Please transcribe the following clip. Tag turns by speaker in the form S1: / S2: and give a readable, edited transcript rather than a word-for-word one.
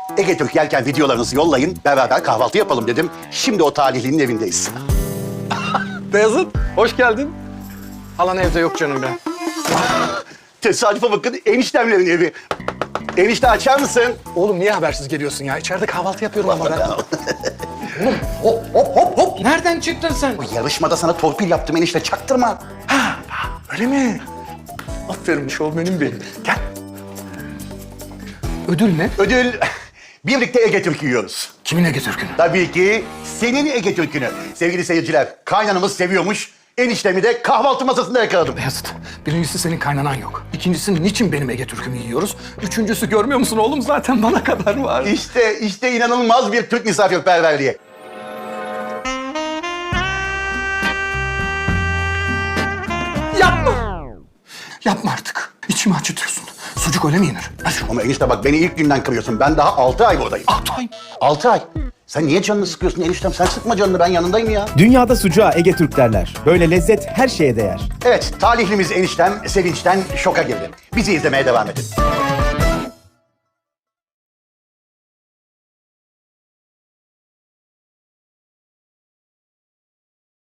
S1: Ege Türk yerken videolarınızı yollayın, beraber kahvaltı yapalım dedim. Şimdi o talihlinin evindeyiz.
S2: Beyazıt, hoş geldin. Halan evde yok canım ben.
S1: Tesadüfe bakın, eniştemlerin evi. Enişte açar mısın?
S2: Oğlum niye habersiz geliyorsun ya? İçeride kahvaltı yapıyorum ama ben. Hop. Nereden çıktın sen?
S1: Bu yarışmada sana torpil yaptım enişte, çaktırma.
S2: Öyle mi? Aferin şovmenim benim. Gel. Ödül ne?
S1: Ödül, birlikte Ege Türk yiyoruz.
S2: Kimin Ege Türk'ünü?
S1: Tabii ki senin Ege Türk'ünü. Sevgili seyirciler, kaynanamız seviyormuş. Eniştemi de kahvaltı masasında yakaladım.
S2: Beyazıt, birincisi senin kaynanan yok. İkincisi niçin benim Ege Türk'ümü yiyoruz? Üçüncüsü görmüyor musun oğlum zaten bana kadar var.
S1: İşte inanılmaz bir Türk misafirperverliği.
S2: Yapma! Yapma artık. İçimi acıtıyorsun. Sucuk öyle mi yenir? Ver şunu.
S1: Ama enişte bak, beni ilk günden kırıyorsun. Ben daha 6 ay buradayım.
S2: 6 ay.
S1: 6 ay. Sen niye canını sıkıyorsun eniştem? Sen sıkma canını, ben yanındayım ya.
S3: Dünyada sucuğa Ege Türk derler. Böyle lezzet her şeye değer.
S1: Evet, talihlimiz eniştem sevinçten şoka girdi. Bizi izlemeye devam edin.